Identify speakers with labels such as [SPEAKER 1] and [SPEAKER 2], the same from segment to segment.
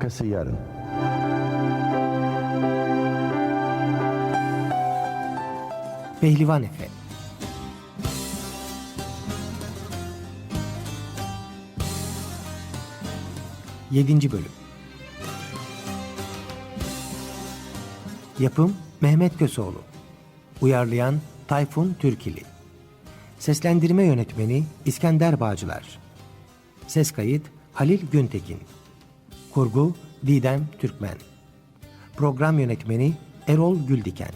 [SPEAKER 1] Arkası yarın.
[SPEAKER 2] Pehlivan Efe. Yedinci bölüm. Yapım Mehmet Köseoğlu. Uyarlayan Tayfun Türkili. Seslendirme yönetmeni İskender Bağcılar. Ses kayıt Halil Güntekin. Kurgu Didem Türkmen. Program yönetmeni Erol Güldiken.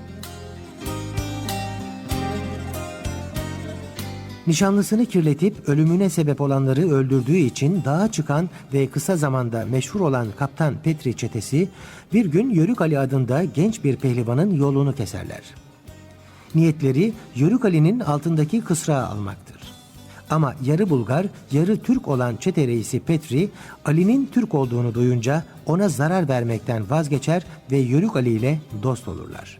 [SPEAKER 2] Nişanlısını kirletip ölümüne sebep olanları öldürdüğü için dağa çıkan ve kısa zamanda meşhur olan Kaptan Petri çetesi bir gün Yörük Ali adında genç bir pehlivanın yolunu keserler. Niyetleri Yörük Ali'nin altındaki kısrağı almaktır. Ama yarı Bulgar, yarı Türk olan çete reisi Petri, Ali'nin Türk olduğunu duyunca ona zarar vermekten vazgeçer ve Yörük Ali ile dost olurlar.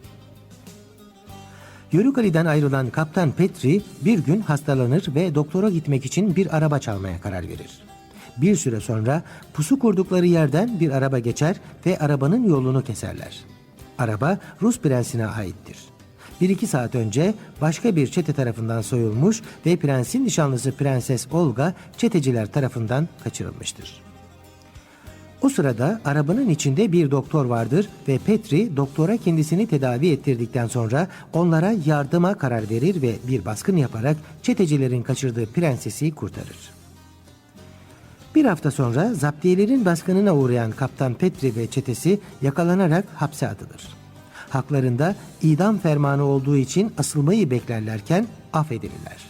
[SPEAKER 2] Yörük Ali'den ayrılan Kaptan Petri bir gün hastalanır ve doktora gitmek için bir araba çalmaya karar verir. Bir süre sonra pusu kurdukları yerden bir araba geçer ve arabanın yolunu keserler. Araba Rus prensine aittir. 1-2 saat önce başka bir çete tarafından soyulmuş ve prensin nişanlısı Prenses Olga çeteciler tarafından kaçırılmıştır. O sırada arabanın içinde bir doktor vardır ve Petri doktora kendisini tedavi ettirdikten sonra onlara yardıma karar verir ve bir baskın yaparak çetecilerin kaçırdığı prensesi kurtarır. Bir hafta sonra zaptiyelerin baskınına uğrayan Kaptan Petri ve çetesi yakalanarak hapse atılır. Haklarında idam fermanı olduğu için asılmayı beklerlerken affedilirler.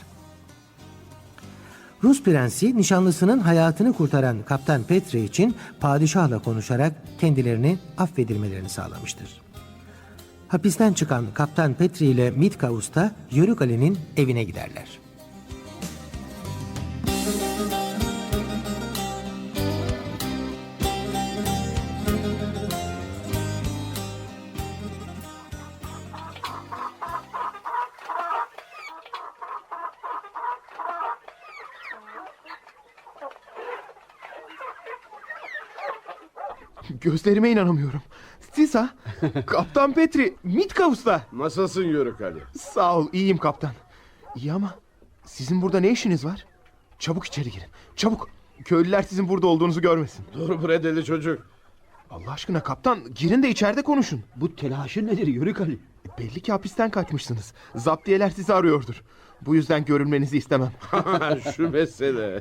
[SPEAKER 2] Rus prensi nişanlısının hayatını kurtaran Kaptan Petri için padişahla konuşarak kendilerini affedilmelerini sağlamıştır. Hapisten çıkan Kaptan Petri ile Mitka Usta Yörük Ali'nin evine giderler.
[SPEAKER 3] Gözlerime inanamıyorum. Siz ha? Kaptan Petri, Mitka Usta.
[SPEAKER 4] Nasılsın Yörük Ali?
[SPEAKER 3] Sağ ol, iyiyim kaptan. İyi ama sizin burada ne işiniz var? Çabuk içeri girin, çabuk. Köylüler sizin burada olduğunuzu görmesin.
[SPEAKER 4] Dur bre deli çocuk.
[SPEAKER 3] Allah aşkına kaptan, girin de içeride konuşun.
[SPEAKER 5] Bu telaşın nedir Yörük Ali?
[SPEAKER 3] Belli ki hapisten kaçmışsınız. Zaptiyeler sizi arıyordur. Bu yüzden görünmenizi istemem.
[SPEAKER 4] Şu mesele.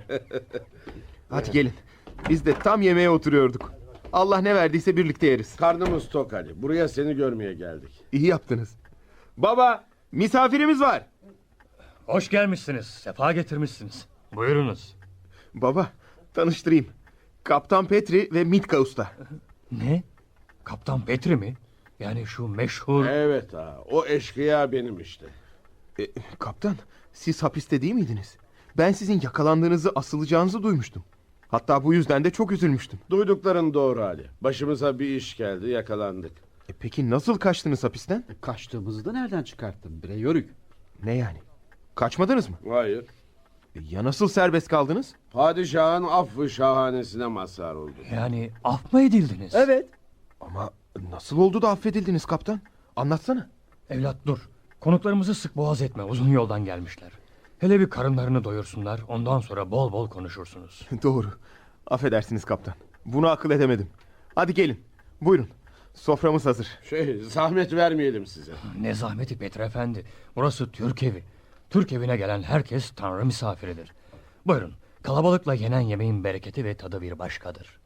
[SPEAKER 3] Hadi gelin. Biz de tam yemeğe oturuyorduk. Allah ne verdiyse birlikte yeriz.
[SPEAKER 4] Karnımız tok Ali. Buraya seni görmeye geldik.
[SPEAKER 3] İyi yaptınız. Baba, misafirimiz var.
[SPEAKER 6] Hoş gelmişsiniz, sefa getirmişsiniz. Buyurunuz.
[SPEAKER 3] Baba, tanıştırayım. Kaptan Petri ve Mitka Usta.
[SPEAKER 6] Ne? Kaptan Petri mi? Yani şu meşhur...
[SPEAKER 4] Evet ha. O eşkıya benim işte.
[SPEAKER 3] Kaptan, siz hapiste değil miydiniz? Ben sizin yakalandığınızı, asılacağınızı duymuştum. Hatta bu yüzden de çok üzülmüştüm.
[SPEAKER 4] Duydukların doğru Ali. Başımıza bir iş geldi, yakalandık.
[SPEAKER 3] Peki nasıl kaçtınız hapisten?
[SPEAKER 5] Kaçtığımızı da nereden çıkarttın bre Yörük?
[SPEAKER 3] Ne yani? Kaçmadınız mı?
[SPEAKER 4] Hayır.
[SPEAKER 3] Ya nasıl serbest kaldınız?
[SPEAKER 4] Padişahın affı şahanesine mazhar oldu.
[SPEAKER 6] Yani af mı edildiniz?
[SPEAKER 5] Evet.
[SPEAKER 3] Ama nasıl oldu da affedildiniz kaptan? Anlatsana.
[SPEAKER 6] Evlat dur. Konuklarımızı sık boğaz etme, uzun yoldan gelmişler. Hele bir karınlarını doyursunlar, ondan sonra bol bol konuşursunuz.
[SPEAKER 3] Doğru. Affedersiniz kaptan. Bunu akıl edemedim. Hadi gelin. Buyurun. Soframız hazır.
[SPEAKER 4] Zahmet vermeyelim size.
[SPEAKER 6] Ne zahmeti Petri Efendi. Burası Türk evi. Türk evine gelen herkes Tanrı misafiridir. Buyurun, kalabalıkla yenen yemeğin bereketi ve tadı bir başkadır.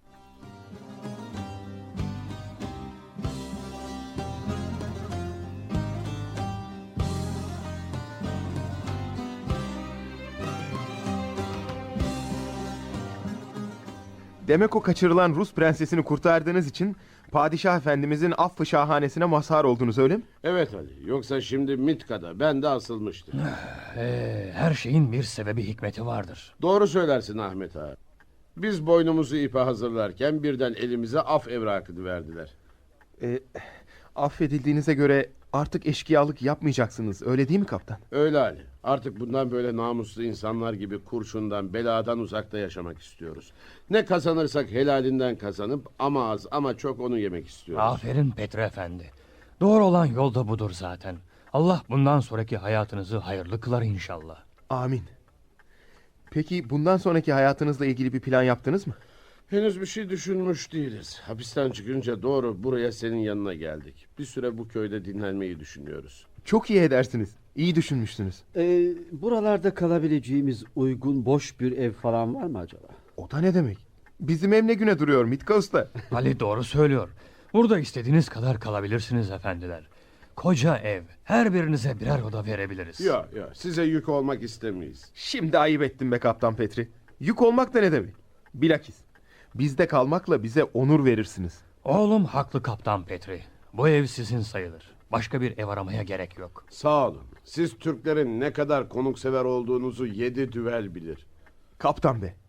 [SPEAKER 3] Demek o kaçırılan Rus prensesini kurtardığınız için Padişah Efendimizin affı şahanesine mazhar oldunuz, öyle mi?
[SPEAKER 4] Evet Ali. Yoksa şimdi Mitka'da ben de asılmıştım.
[SPEAKER 6] Her şeyin bir sebebi, hikmeti vardır.
[SPEAKER 4] Doğru söylersin Ahmet ağa. Biz boynumuzu ipe hazırlarken birden elimize af evrakını verdiler.
[SPEAKER 3] Affedildiğinize göre Artık eşkıyalık yapmayacaksınız, öyle değil mi kaptan?
[SPEAKER 4] Öyle Ali. Artık bundan böyle namuslu insanlar gibi kurşundan, beladan uzakta yaşamak istiyoruz. Ne kazanırsak helalinden kazanıp ama az ama çok onu yemek istiyoruz.
[SPEAKER 6] Aferin Petri Efendi. Doğru olan yol da budur zaten. Allah bundan sonraki hayatınızı hayırlı kılar inşallah.
[SPEAKER 3] Amin. Peki bundan sonraki hayatınızla ilgili bir plan yaptınız mı?
[SPEAKER 4] Henüz bir şey düşünmüş değiliz. Hapisten çıkınca doğru buraya senin yanına geldik. Bir süre bu köyde dinlenmeyi düşünüyoruz.
[SPEAKER 3] Çok iyi edersiniz. İyi düşünmüşsünüz.
[SPEAKER 5] Buralarda kalabileceğimiz uygun boş bir ev falan var mı acaba?
[SPEAKER 3] O da ne demek? Bizim ev ne güne duruyor Mitka Usta?
[SPEAKER 6] Ali doğru söylüyor. Burada istediğiniz kadar kalabilirsiniz efendiler. Koca ev. Her birinize birer oda verebiliriz.
[SPEAKER 4] Ya size yük olmak istemeyiz.
[SPEAKER 3] Şimdi ayıp ettin be Kaptan Petri. Yük olmak da ne demek? Bilakis bizde kalmakla bize onur verirsiniz.
[SPEAKER 6] Oğlum haklı Kaptan Petri. Bu ev sizin sayılır. Başka bir ev aramaya gerek yok.
[SPEAKER 4] Sağ olun. Siz Türklerin ne kadar konuksever olduğunuzu 7 düvel bilir.
[SPEAKER 3] Kaptan be.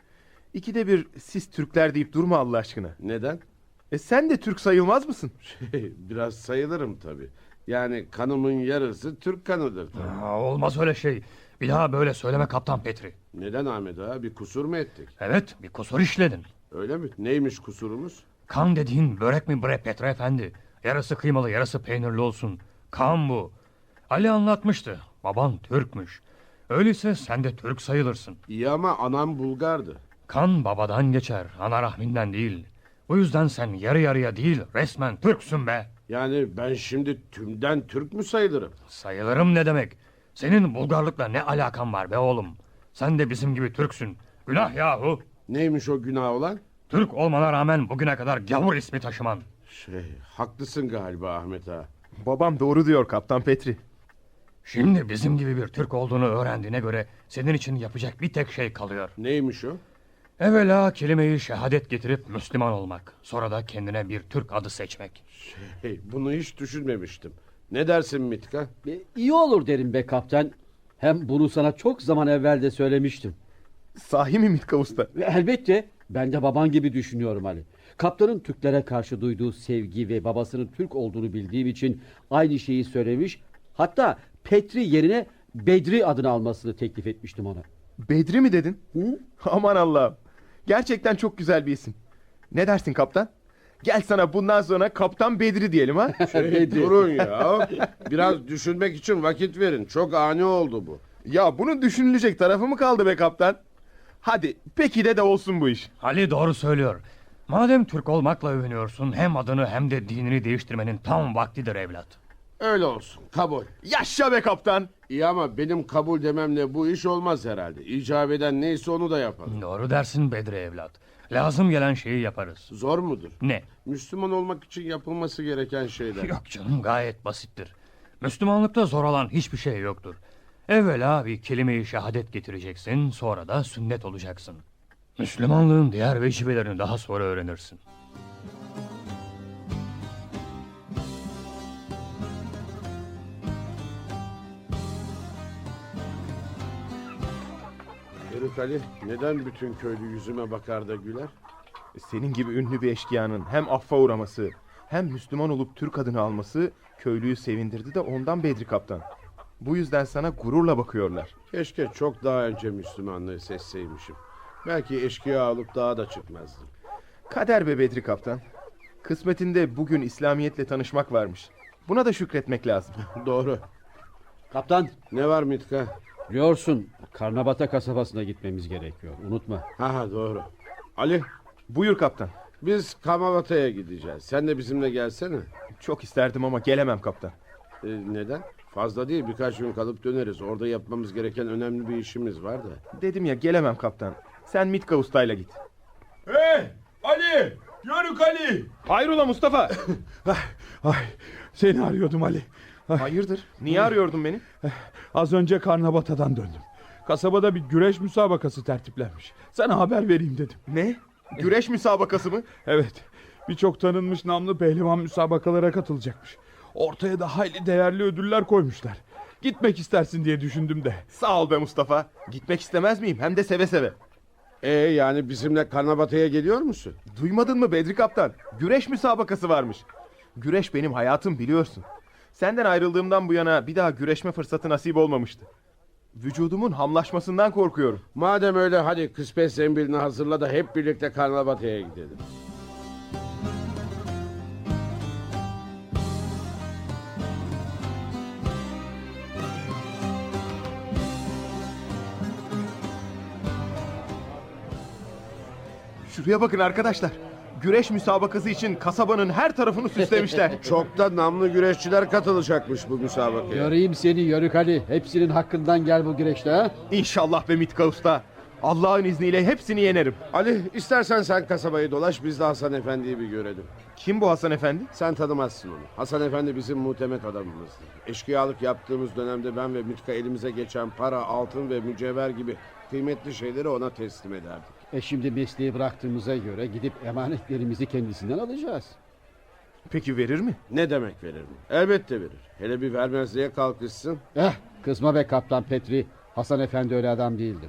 [SPEAKER 3] İkide bir siz Türkler deyip durma Allah aşkına.
[SPEAKER 4] Neden?
[SPEAKER 3] Sen de Türk sayılmaz mısın?
[SPEAKER 4] Biraz sayılırım tabii. Yani kanımın yarısı Türk kanıdır tabii.
[SPEAKER 6] Olmaz öyle şey. Bir daha böyle söyleme Kaptan Petri.
[SPEAKER 4] Neden Ahmet ağa? Bir kusur mu ettik?
[SPEAKER 6] Evet, bir kusur işledin.
[SPEAKER 4] Öyle mi? Neymiş kusurumuz?
[SPEAKER 6] Kan dediğin börek mi bre Petri Efendi? Yarısı kıymalı, yarısı peynirli olsun. Kan bu. Ali anlatmıştı. Baban Türkmüş. Öyleyse sen de Türk sayılırsın.
[SPEAKER 4] İyi ama anam Bulgardı.
[SPEAKER 6] Kan babadan geçer, ana rahminden değil. Bu yüzden sen yarı yarıya değil, resmen Türksün be.
[SPEAKER 4] Yani ben şimdi tümden Türk mü sayılırım?
[SPEAKER 6] Sayılırım ne demek? Senin Bulgarlıkla ne alakan var be oğlum? Sen de bizim gibi Türksün. Günah yahu.
[SPEAKER 4] Neymiş o günah olan?
[SPEAKER 6] Türk olmana rağmen bugüne kadar gavur ismi taşıman.
[SPEAKER 4] Haklısın galiba Ahmet ağa.
[SPEAKER 3] Babam doğru diyor Kaptan Petri.
[SPEAKER 6] Şimdi bizim gibi bir Türk olduğunu öğrendiğine göre senin için yapacak bir tek şey kalıyor.
[SPEAKER 4] Neymiş o?
[SPEAKER 6] Evvela kelime-i şehadet getirip Müslüman olmak. Sonra da kendine bir Türk adı seçmek.
[SPEAKER 4] Bunu hiç düşünmemiştim. Ne dersin Mitka?
[SPEAKER 5] İyi olur derim be kaptan. Hem bunu sana çok zaman evvel de söylemiştim.
[SPEAKER 3] Sahi mi Mitka Usta?
[SPEAKER 5] Ve elbette ben de baban gibi düşünüyorum Ali. Kaptanın Türklere karşı duyduğu sevgi ve babasının Türk olduğunu bildiğim için aynı şeyi söylemiş. Hatta Petri yerine Bedri adını almasını teklif etmiştim ona.
[SPEAKER 3] Bedri mi dedin?
[SPEAKER 5] Hı?
[SPEAKER 3] Aman Allah'ım. Gerçekten çok güzel bir isim. Ne dersin kaptan? Gel sana bundan sonra Kaptan Bedri diyelim ha?
[SPEAKER 5] Bedri.
[SPEAKER 4] Durun ya. Biraz düşünmek için vakit verin. Çok ani oldu bu.
[SPEAKER 3] Ya bunun düşünülecek tarafı mı kaldı be kaptan? Hadi peki de olsun bu iş.
[SPEAKER 6] Ali doğru söylüyor. Madem Türk olmakla övünüyorsun hem adını hem de dinini değiştirmenin tam vaktidir evlat.
[SPEAKER 4] Öyle olsun. Kabul.
[SPEAKER 3] Yaşa be kaptan.
[SPEAKER 4] İyi ama benim kabul dememle bu iş olmaz herhalde. İcap eden neyse onu da yapalım.
[SPEAKER 6] Doğru dersin Bedri evlat. Lazım gelen şeyi yaparız.
[SPEAKER 4] Zor mudur?
[SPEAKER 6] Ne?
[SPEAKER 4] Müslüman olmak için yapılması gereken şeyler.
[SPEAKER 6] Yok canım gayet basittir. Müslümanlıkta zor olan hiçbir şey yoktur. Evvela bir kelime-i şehadet getireceksin, sonra da sünnet olacaksın. Müslümanlığın diğer vecibelerini daha sonra öğrenirsin.
[SPEAKER 4] Herif Ali, neden bütün köylü yüzüme bakar da güler?
[SPEAKER 3] Senin gibi ünlü bir eşkıyanın hem affa uğraması hem Müslüman olup Türk adını alması köylüyü sevindirdi de ondan Bedri kaptan. Bu yüzden sana gururla bakıyorlar.
[SPEAKER 4] Keşke çok daha önce Müslümanlığı seçseymişim. Belki eşkıya olup daha da çıkmazdım.
[SPEAKER 3] Kader be Bedri kaptan. Kısmetinde bugün İslamiyetle tanışmak varmış. Buna da şükretmek lazım.
[SPEAKER 4] Doğru.
[SPEAKER 5] Kaptan,
[SPEAKER 4] Ne var Mitka?
[SPEAKER 5] biliyorsun Karnabata kasabasına gitmemiz gerekiyor. Unutma.
[SPEAKER 4] Ha doğru. Ali,
[SPEAKER 3] Buyur kaptan.
[SPEAKER 4] biz Kamavata'ya gideceğiz. Sen de bizimle gelsene.
[SPEAKER 3] Çok isterdim ama gelemem kaptan.
[SPEAKER 4] Neden? Fazla değil, birkaç gün kalıp döneriz. Orada yapmamız gereken önemli bir işimiz var da.
[SPEAKER 3] Dedim ya gelemem kaptan. Sen Mitka ustayla git.
[SPEAKER 1] Hey Ali! Yörük Ali!
[SPEAKER 3] Hayrola Mustafa?
[SPEAKER 1] Ay, seni arıyordum Ali.
[SPEAKER 3] Hayırdır? Niye arıyordun beni?
[SPEAKER 1] Az önce Karnabata'dan döndüm. Kasabada bir güreş müsabakası tertiplenmiş. Sana haber vereyim dedim.
[SPEAKER 3] Ne? Güreş müsabakası mı?
[SPEAKER 1] Evet, birçok tanınmış namlı pehlivan müsabakalara katılacakmış. Ortaya da hayli değerli ödüller koymuşlar. Gitmek istersin diye düşündüm de.
[SPEAKER 3] Sağ ol be Mustafa. Gitmek istemez miyim? Hem de seve seve.
[SPEAKER 4] Yani bizimle Karnabata'ya geliyor musun?
[SPEAKER 3] Duymadın mı Bedri kaptan? Güreş müsabakası varmış. Güreş benim hayatım biliyorsun. Senden ayrıldığımdan bu yana bir daha güreşme fırsatı nasip olmamıştı. Vücudumun hamlaşmasından korkuyorum.
[SPEAKER 4] Madem öyle hadi kısmet zembilini hazırla da hep birlikte Karnabatı'ya gidelim.
[SPEAKER 3] Şuraya bakın arkadaşlar. Güreş müsabakası için kasabanın her tarafını süslemişler.
[SPEAKER 4] Çok da namlı güreşçiler katılacakmış bu müsabakaya.
[SPEAKER 5] Göreyim seni Yörük Ali. Hepsinin hakkından gel bu güreşte ha.
[SPEAKER 3] İnşallah be Mitka Usta. Allah'ın izniyle hepsini yenerim.
[SPEAKER 4] Ali istersen sen kasabayı dolaş, biz de Hasan Efendi'yi bir görelim.
[SPEAKER 3] Kim bu Hasan Efendi?
[SPEAKER 4] Sen tanımazsın onu. Hasan Efendi bizim muhtemet adamımızdır. Eşkıyalık yaptığımız dönemde ben ve Mitka elimize geçen para, altın ve mücevher gibi kıymetli şeyleri ona teslim ederdik.
[SPEAKER 5] Şimdi mesleği bıraktığımıza göre gidip emanetlerimizi kendisinden alacağız.
[SPEAKER 3] Peki verir mi?
[SPEAKER 4] Ne demek verir mi? Elbette verir. Hele bir vermezliğe kalkışsın.
[SPEAKER 5] Kızma be Kaptan Petri. Hasan Efendi öyle adam değildir.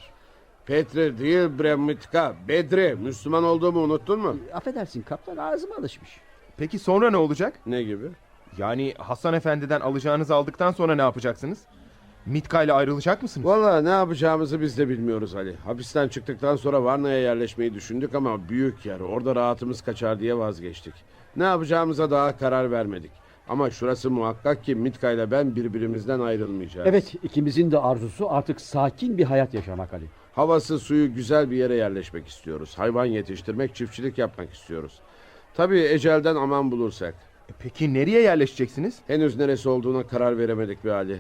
[SPEAKER 4] Petri değil bre Mitka, Bedri. Müslüman olduğumu unuttun mu?
[SPEAKER 5] Affedersin kaptan, ağzıma alışmış.
[SPEAKER 3] Peki sonra ne olacak?
[SPEAKER 4] Ne gibi?
[SPEAKER 3] Yani Hasan Efendi'den alacağınızı aldıktan sonra ne yapacaksınız? Mitka ile ayrılacak mısınız?
[SPEAKER 4] Vallahi ne yapacağımızı biz de bilmiyoruz Ali. Hapisten çıktıktan sonra Varna'ya yerleşmeyi düşündük ama büyük yer. Orada rahatımız kaçar diye vazgeçtik. Ne yapacağımıza daha karar vermedik. Ama şurası muhakkak ki Mitka ile ben birbirimizden ayrılmayacağız.
[SPEAKER 5] Evet, ikimizin de arzusu artık sakin bir hayat yaşamak Ali.
[SPEAKER 4] Havası suyu güzel bir yere yerleşmek istiyoruz. Hayvan yetiştirmek, çiftçilik yapmak istiyoruz. Tabii ecelden aman bulursak.
[SPEAKER 3] Peki nereye yerleşeceksiniz?
[SPEAKER 4] Henüz neresi olduğuna karar veremedik be Ali.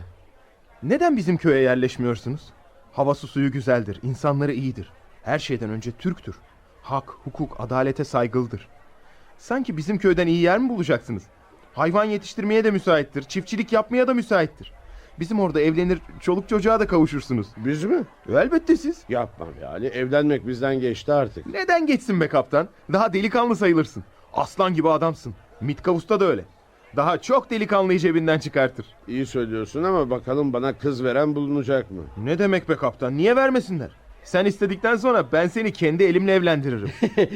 [SPEAKER 3] Neden bizim köye yerleşmiyorsunuz? Havası suyu güzeldir, insanları iyidir. Her şeyden önce Türktür. Hak, hukuk, adalete saygılıdır. Sanki bizim köyden iyi yer mi bulacaksınız? Hayvan yetiştirmeye de müsaittir, çiftçilik yapmaya da müsaittir. Bizim orada evlenir, çoluk çocuğa da kavuşursunuz.
[SPEAKER 4] Biz mi?
[SPEAKER 3] Elbette siz.
[SPEAKER 4] Yapma be Ali. Evlenmek bizden geçti artık.
[SPEAKER 3] Neden geçsin be kaptan? Daha delikanlı sayılırsın. Aslan gibi adamsın. Mitka Usta da öyle. Daha çok delikanlıyı cebinden çıkartır.
[SPEAKER 4] İyi söylüyorsun ama bakalım bana kız veren bulunacak mı?
[SPEAKER 3] Ne demek be kaptan? Niye vermesinler? Sen istedikten sonra ben seni kendi elimle evlendiririm.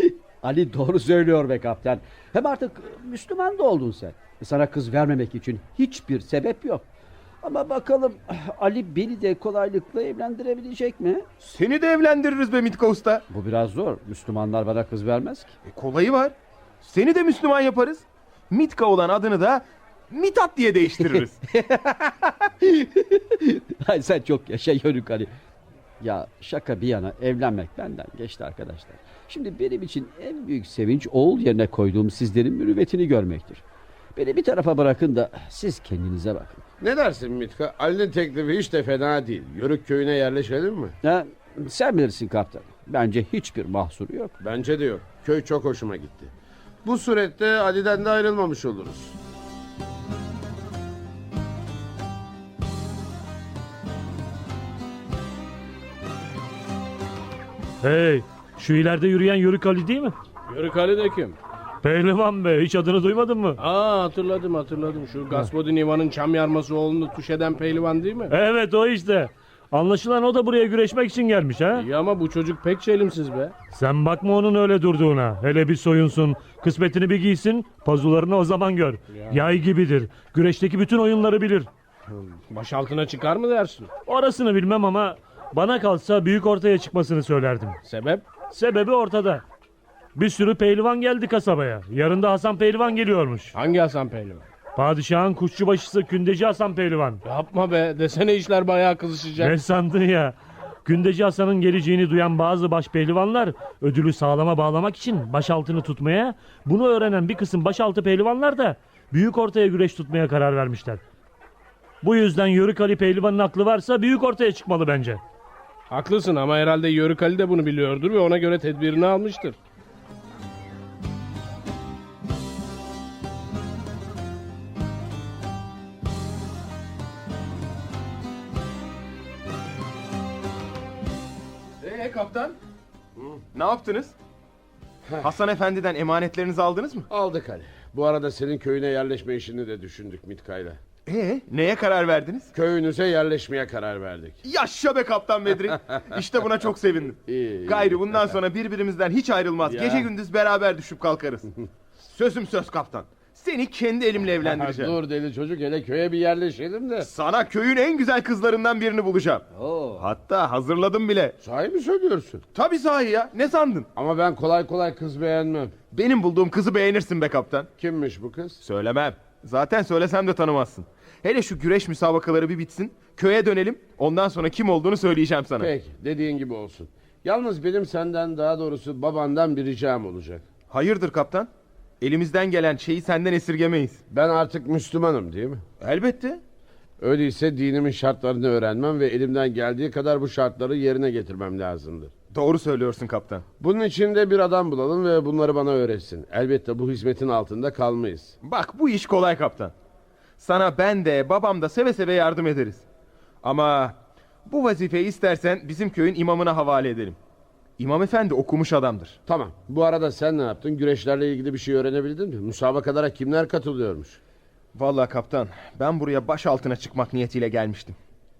[SPEAKER 5] Ali doğru söylüyor be kaptan. Hem artık Müslüman da oldun sen. Sana kız vermemek için hiçbir sebep yok. Ama bakalım Ali beni de kolaylıkla evlendirebilecek mi?
[SPEAKER 3] Seni de evlendiririz be Mitka Usta.
[SPEAKER 5] Bu biraz zor. Müslümanlar bana kız vermez ki.
[SPEAKER 3] Kolayı var. Seni de Müslüman yaparız. Mitka olan adını da Mithat diye değiştiririz.
[SPEAKER 5] Ay sen çok yaşa Yörük Ali. Ya şaka bir yana, evlenmek benden geçti arkadaşlar. Şimdi benim için en büyük sevinç oğul yerine koyduğum sizlerin mürüvvetini görmektir. Beni bir tarafa bırakın da siz kendinize bakın.
[SPEAKER 4] Ne dersin Mitka? Ali'nin teklifi hiç de fena değil. Yörük köyüne yerleşelim mi?
[SPEAKER 5] Ha, sen bilirsin kaptan. Bence hiçbir mahsuru yok.
[SPEAKER 4] Bence de yok. Köy çok hoşuma gitti. Bu surette Ali'den de ayrılmamış oluruz.
[SPEAKER 7] Hey, şu ileride yürüyen Yörük Ali değil mi?
[SPEAKER 8] Yörük Ali de kim?
[SPEAKER 7] Pehlivan be, hiç adını duymadın mı?
[SPEAKER 8] Hatırladım. Şu Gasvodin İvan'ın çam yarması oğlunu tuş eden pehlivan değil mi?
[SPEAKER 7] Evet, o işte. Anlaşılan o da buraya güreşmek için gelmiş ha?
[SPEAKER 8] İyi ama bu çocuk pek çelimsiz be.
[SPEAKER 7] Sen bakma onun öyle durduğuna. Hele bir soyunsun, kısmetini bir giysin, pazularını o zaman gör. Yay gibidir. Güreşteki bütün oyunları bilir.
[SPEAKER 8] Baş altına çıkar mı dersin?
[SPEAKER 7] Orasını bilmem ama bana kalsa büyük ortaya çıkmasını söylerdim.
[SPEAKER 8] Sebep?
[SPEAKER 7] Sebebi ortada. Bir sürü pehlivan geldi kasabaya. Yarın da Hasan Pehlivan geliyormuş.
[SPEAKER 8] Hangi Hasan pehlivan?
[SPEAKER 7] Padişahın kuşçubaşısı Kündeci Hasan Pehlivan.
[SPEAKER 8] Yapma be, desene işler bayağı kızışacak.
[SPEAKER 7] Ne sandın ya? Kündeci Hasan'ın geleceğini duyan bazı başpehlivanlar ödülü sağlama bağlamak için başaltını tutmaya, bunu öğrenen bir kısım başaltı pehlivanlar da büyük ortaya güreş tutmaya karar vermişler. Bu yüzden Yörük Ali Pehlivan'ın aklı varsa büyük ortaya çıkmalı bence.
[SPEAKER 8] Haklısın ama herhalde Yörük Ali de bunu biliyordur ve ona göre tedbirini almıştır.
[SPEAKER 3] Kaptan? Ne yaptınız? Hasan Efendi'den emanetlerinizi aldınız mı?
[SPEAKER 4] Aldık Ali. Bu arada senin köyüne yerleşme işini de düşündük Mitka'yla.
[SPEAKER 3] Neye karar verdiniz?
[SPEAKER 4] Köyünüze yerleşmeye karar verdik.
[SPEAKER 3] Yaşa be Kaptan Bedri. İşte buna çok sevindim.
[SPEAKER 4] İyi.
[SPEAKER 3] Gayrı bundan sonra birbirimizden hiç ayrılmaz.
[SPEAKER 4] Ya.
[SPEAKER 3] Gece gündüz beraber düşüp kalkarız. Sözüm söz kaptan. Seni kendi elimle evlendireceğim.
[SPEAKER 4] Dur deli çocuk, hele köye bir yerleşelim de.
[SPEAKER 3] Sana köyün en güzel kızlarından birini bulacağım.
[SPEAKER 4] Oo.
[SPEAKER 3] Hatta hazırladım bile.
[SPEAKER 4] Sahi mi söylüyorsun?
[SPEAKER 3] Tabii sahi ya, ne sandın?
[SPEAKER 4] Ama ben kolay kolay kız beğenmem.
[SPEAKER 3] Benim bulduğum kızı beğenirsin be kaptan.
[SPEAKER 4] Kimmiş bu kız?
[SPEAKER 3] Söylemem. Zaten söylesem de tanımazsın. Hele şu güreş müsabakaları bir bitsin. Köye dönelim. Ondan sonra kim olduğunu söyleyeceğim sana.
[SPEAKER 4] Peki, dediğin gibi olsun. Yalnız benim senden, daha doğrusu babandan bir ricam olacak.
[SPEAKER 3] Hayırdır kaptan? Elimizden gelen şeyi senden esirgemeyiz.
[SPEAKER 4] Ben artık Müslümanım değil mi?
[SPEAKER 3] Elbette.
[SPEAKER 4] Öyleyse dinimin şartlarını öğrenmem ve elimden geldiği kadar bu şartları yerine getirmem lazımdır.
[SPEAKER 3] Doğru söylüyorsun kaptan.
[SPEAKER 4] Bunun için de bir adam bulalım ve bunları bana öğretsin. Elbette bu hizmetin altında kalmayız.
[SPEAKER 3] Bak bu iş kolay kaptan. Sana ben de babam da seve seve yardım ederiz. Ama bu vazifeyi istersen bizim köyün imamına havale edelim. İmam efendi okumuş adamdır.
[SPEAKER 4] Tamam. Bu arada sen ne yaptın? Güreşlerle ilgili bir şey öğrenebildin mi? Müsabakalara kimler katılıyormuş?
[SPEAKER 3] Vallahi kaptan, ben buraya baş altına çıkmak niyetiyle gelmiştim.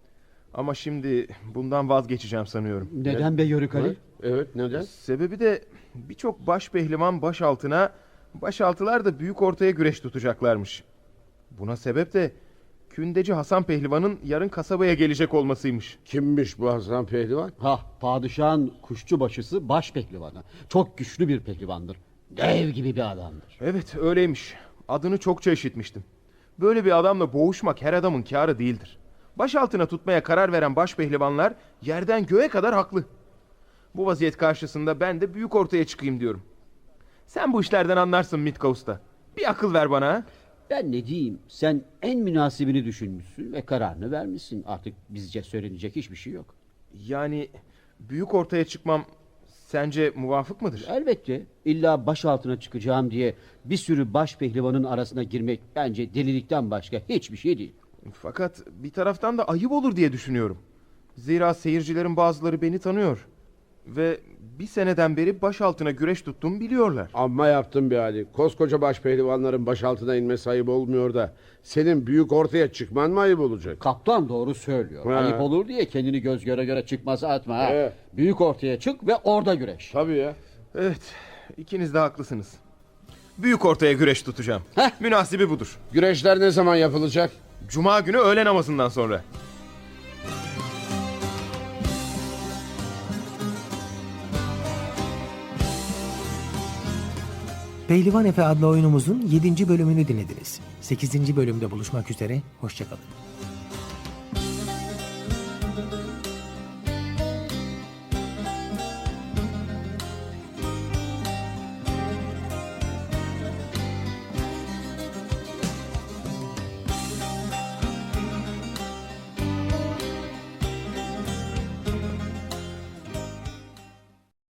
[SPEAKER 3] Ama şimdi bundan vazgeçeceğim sanıyorum.
[SPEAKER 5] Neden be Yörük Ali?
[SPEAKER 4] Evet, neden?
[SPEAKER 3] Sebebi de birçok baş pehlivan baş altına, başaltılar da büyük ortaya güreş tutacaklarmış. Buna sebep de Kündeci Hasan Pehlivan'ın yarın kasabaya gelecek olmasıymış.
[SPEAKER 4] Kimmiş bu Hasan Pehlivan?
[SPEAKER 5] Padişahın kuşçu başısı baş pehlivanı. Çok güçlü bir pehlivandır. Dev gibi bir adamdır.
[SPEAKER 3] Evet öyleymiş. Adını çokça işitmiştim. Böyle bir adamla boğuşmak her adamın kârı değildir. Baş altına tutmaya karar veren baş pehlivanlar yerden göğe kadar haklı. Bu vaziyet karşısında ben de büyük ortaya çıkayım diyorum. Sen bu işlerden anlarsın Mitka Usta. Bir akıl ver bana ha.
[SPEAKER 5] Ben ne diyeyim? Sen en münasibini düşünmüşsün ve kararını vermişsin. Artık bizce söylenecek hiçbir şey yok.
[SPEAKER 3] Yani büyük ortaya çıkmam sence muvafık mıdır?
[SPEAKER 5] Elbette illa baş altına çıkacağım diye bir sürü baş pehlivanın arasına girmek bence delilikten başka hiçbir şey değil.
[SPEAKER 3] Fakat bir taraftan da ayıp olur diye düşünüyorum. Zira seyircilerin bazıları beni tanıyor. Ve bir seneden beri baş altına güreş tuttuğumu biliyorlar.
[SPEAKER 4] Amma yaptın bir hali. Koskoca baş pehlivanların baş altına inmesi ayıp olmuyor da senin büyük ortaya çıkman mı ayıp olacak?
[SPEAKER 5] Kaptan doğru söylüyor.
[SPEAKER 4] He.
[SPEAKER 5] Ayıp olur diye kendini göz göre göre çıkmaz atma. Ha.
[SPEAKER 4] He.
[SPEAKER 5] Büyük ortaya çık ve orada güreş.
[SPEAKER 4] Tabii ya.
[SPEAKER 3] Evet, ikiniz de haklısınız. Büyük ortaya güreş tutacağım. Münasibi budur.
[SPEAKER 4] Güreşler ne zaman yapılacak?
[SPEAKER 3] Cuma günü öğle namazından sonra.
[SPEAKER 2] Pehlivan Efe adlı oyunumuzun 7. bölümünü dinlediniz. 8. bölümde buluşmak üzere, hoşçakalın.